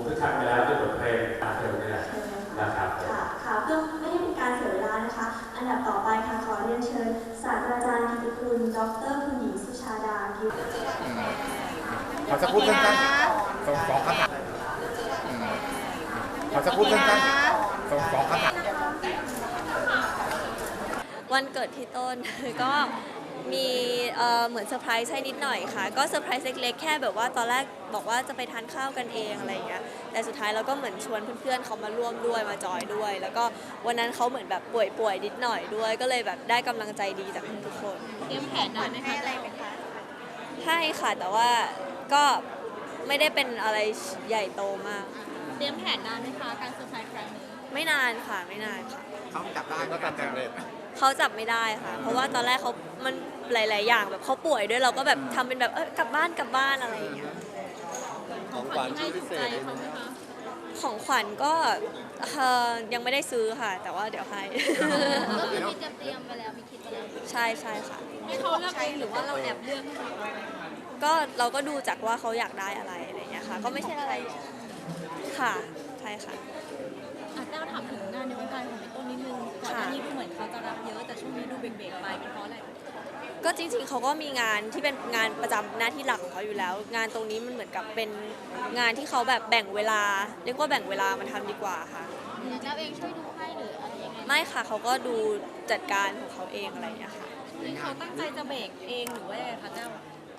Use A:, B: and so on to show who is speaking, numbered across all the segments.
A: คือทำไปแล้วคือบทเพลงตามเดิมนี่แหละนะครับ
B: ค่ะเพื่อไม่ให้เป็นการเสียเวลานะคะอันดับต่อไปค่ะขอเรียนเชิญศาสตราจารย์กิติคุณดรคุณหญิงสุชาดากิติ
C: เขาจะพูดสั้นๆสองคำถามเขาจะพูดสั้นๆสองคำถาม
D: วันเกิดพี่ต้น ก็มีเหมือนเซอร์ไพรส์ให้นิดหน่อยค่ะก็เซอร์ไพรส์เล็กๆแค่แบบว่าตอนแรกบอกว่าจะไปทานข้าวกันเองอะไรอย่างเงี้ยแต่สุดท้ายเราก็เหมือนชวนเพื่อนๆเขามาร่วมด้วยมาจอยด้วยแล้วก็วันนั้นเขาเหมือนแบบป่วยนิดหน่อยด้วยก็เลยแบบได้กำลังใจดีจากทุกคน
E: เตรียมแผนนานไหมคะอะไรไหมคะ
D: ให้ค่ะแต่ว่าก็ไม่ได้เป็นอะไรใหญ่โตมาก
E: เตรียมแผนนานไหมคะการเซอร์ไพรส์ครั้งนี้
D: ไม่นานค่ะไม่นานค่ะ
C: เขาจับได้ก็ตัดสำเร็จ
D: เขาจับไม่ได้ค่ะเพราะว่าตอนแรกเขามันหลายๆอย่างแบบเขาป่วยด้วยเราก็แบบทำเป็นแบบกลับบ้านอะไรอย่างเงี้ย
E: ของขวัญที่ถูกใจเขาไหมคะ
D: ของขวัญก็ยังไม่ได้ซื้อค่ะแต่ว่าเดี๋ยวให้
E: ก็คือมีเตรียมไปแล้วมีคิดไปแล้ว
D: ใช่ค่ะ
E: ให้เขาเลือกเองหรือว่าเราแอบเลือก
D: ก็เราก็ดูจากว่าเขาอยากได้อะไรอย่างเงี้ยค่ะก็ไม่ใช่อะไรค่ะใช่ค่ะ
E: แต้วถามถึงงานในวงการของพี่ต้นนิดนึงก่อนหน้านี้ดูเหมือนเขาจะรับเยอะแต่ช่วงนี้ดูเบรกไปเป็นเพราะอะไร
D: ก็จริงๆเขาก็มีงานที่เป็นงานประจำหน้าที่หลักของเขาอยู่แล้วงานตรงนี้มันเหมือนกับเป็นงานที่เขาแบบแบ่งเวลาเรียกว่าแบ่งเวลามันทำดีกว่าค่ะ
E: แล้วเองช่วยดูให้หรืออะไรยังไง
D: ไม่ค่ะเขาก็ดูจัดการของเขาเองอะไรอย่างเงี้ยค่ะ
E: เขาตั้งใจจะเบรกเองหรือว่าอะไรคะเจ้า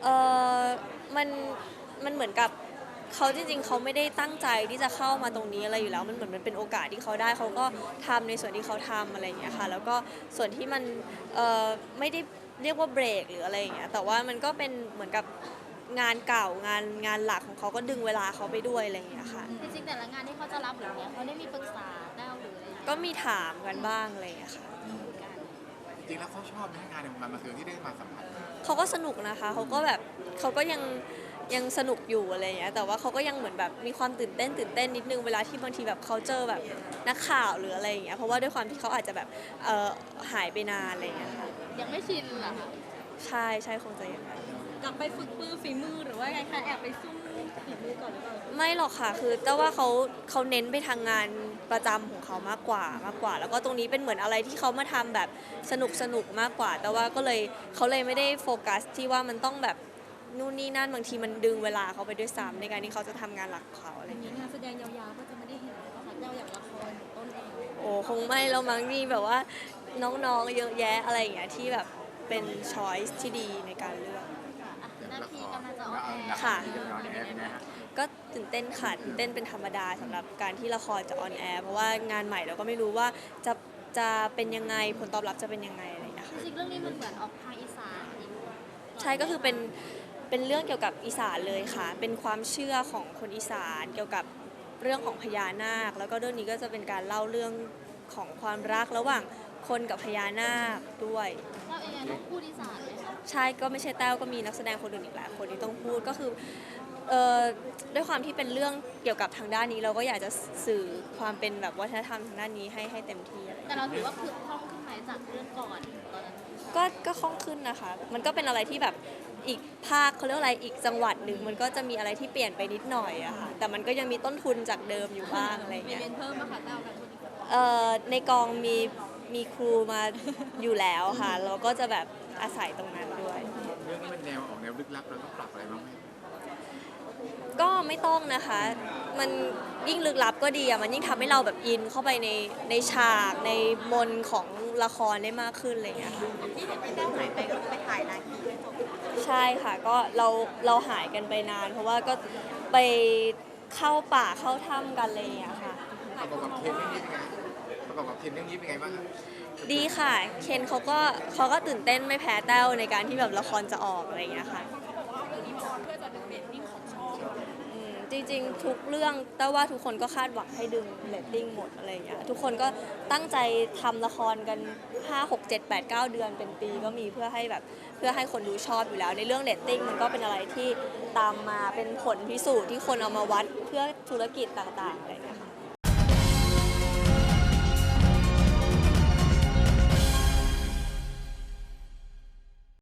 D: มันเหมือนกับเขาจริงๆเขาไม่ได้ตั้งใจที่จะเข้ามาตรงนี้อะไรอยู่แล้วมันเหมือนมันเป็นโอกาสที่เขาได้เขาก็ทำในส่วนที่เขาทำอะไรอย่างเงี้ยค่ะแล้วก็ส่วนที่มันไม่ได้เรียกว่าเบรกหรืออะไรอย่างเงี้ยแต่ว่ามันก็เป็นเหมือนกับงานเก่างานหลักของเขาก็ดึงเวลาเขาไปด้วยอะไรอย่างเงี้ยค่ะ
E: จริงๆแต่ละงานที่เขาจะรับหรือเนี้ยเขาได้มีปรึกษาแต้วหรืออะไร
D: ก็มีถามกันบ้างอะไรอย่างเงี้ยค่ะ
C: จริงๆแล้วเขาชอบในงานในวงการบันเทิงที่ได้มาสัมผัส
D: เขาก็สนุกนะคะเขาก็แบบเขาก็ยังสนุกอยู่อะไรอย่างเงี้ยแต่ว่าเขาก็ยังเหมือนแบบมีความตื่นเต้นนิดนึงเวลาที่บางทีแบบเขาเจอแบบนักข่าวหรืออะไรอย่างเงี้ยเพราะว่าด้วยความที่เขาอาจจะแบบหายไปนานอะไรอย่างเงี้ยค่ะ
E: ยังไม่ชินเหรอคะ
D: ใช่คงจะอย่างนั้น
E: กลับไปฝึกฝีมือหรือว่าไงคะแอบไปซุ่มฝีมือก่อนหรือเปล่า
D: ไม่หรอกค่ะคือแต่ว่าเขาเน้นไปทางงานประจำของเขามากกว่าแล้วก็ตรงนี้เป็นเหมือนอะไรที่เขามาทำแบบสนุกมากกว่าแต่ว่าก็เลยเขาเลยไม่ได้โฟกัสที่ว่ามันต้องแบบนู่นนี่นั่นบางทีมันดึงเวลาเขาไปด้วยซ้ำในการที่เขาจะทำงานหลักของเขาอะไรอย่างเงี้ย
E: งานแสดงยาวๆก็จะไม่ได้เห็นแล้วค่ะเจ้าอย่างละครต้นเอง
D: โอ้คงไม่แล้วมั้งนี่แบบว่าน้องๆเยอะแยะอะไรอย่างเงี้ยที่แบบเป็นช้อยส์ที่ดีในการเลือก
E: นาทีกำลังจะออก
D: ค่ะก็ตื่นเต้นค่ะตื่นเต้นเป็นธรรมดาสำหรับการที่ละครจะออนแอร์เพราะว่างานใหม่เราก็ไม่รู้ว่าจะเป็นยังไงผลตอบรับจะเป็นยังไงอะไรอย่างเงี้ยค่ะ
E: จริงๆเรื่องนี้มันเหมือนออกทางอีสาน
D: ใช่ก็คือเป็นเรื่องเกี่ยวกับอีสานเลยค่ะเป็นความเชื่อของคนอีสานเกี่ยวกับเรื่องของพญานาคแล้วก็เรื่องนี้ก็จะเป็นการเล่าเรื่องของความรักระหว่างคนกับพญานาคด้วย
E: เราเองต้องพูดอีสานไหมคะ
D: ใช่ก็ไม่ใช่แต้วก็มีนักแสดงคนอื่นอีกหลายคนที่ต้องพูดก็คือด้วยความที่เป็นเรื่องเกี่ยวกับทางด้านนี้เราก็อยากจะสื่อความเป็นแบบวัฒนธรรมทางด้านนี้ให้เต็มที่
E: แต่เราถือว่าคือคล่องขึ้นไหมจากเรื่องก่อนตอนนั้น
D: ก็คล่องขึ้นนะคะมันก็เป็นอะไรที่แบบอีกภาคเขาเรียกอะไรอีกจังหวัดหนึ่งมันก็จะมีอะไรที่เปลี่ยนไปนิดหน่อยอะค่ะแต่มันก็ยังมีต้นทุนจากเดิมอยู่บ้างอะไรเงี้ย
E: มีเพิ่มมาค่ะเต้ากัน
D: ในกองมีครูมาอยู่แล้วค่ะเราก็จะแบบอาศัยตรงนั้นด้วย
C: เรื่องนี้มันแนวออกแนวลึกลับเราต้องปรับอะไรบ้างไหม
D: ก็ไม่ต้องนะคะมันยิ่งลึกลับก็ดีอะมันยิ่งทำให้เราแบบอินเข้าไปในฉากในมนของละครได้มากขึ้นอะไรอย่างเงี้ยค่ะ
E: ที่เห็นพี่แต้วหายไปก็ไปถ่ายนานทีไม่จบ
D: ใช่ค่ะก็เราหายกันไปนานเพราะว่าก็ไปเข้าป่าเข้าถ้ำกันอะไรอย่างเงี้ยค่ะ
C: ประกอบกับเคนเรื่องนี้เป็นไงประกอบกับเคนเรื่องนี้เป็นไงบ้างครับ
D: ดีค่ะเคนเขาก็ตื่นเต้นไม่แพ้แต้วในการที่แบบละครจะออกอะไรอย่างเงี้ยค่ะจริงๆทุกเรื่องแต่ว่าทุกคนก็คาดหวังให้ดึงเรตติ้งหมดอะไรอย่างเงี้ยทุกคนก็ตั้งใจทำละครกัน5 6 7 8 9 เดือนเป็นปีก็มีเพื่อให้คนดูชอบอยู่แล้วในเรื่องเรตติ้งมันก็เป็นอะไรที่ตามมาเป็นผลพิสูจน์ที่คนเอามาวัดเพื่อธุรกิจต่างๆอะไรอย่างเงี้ยค่ะ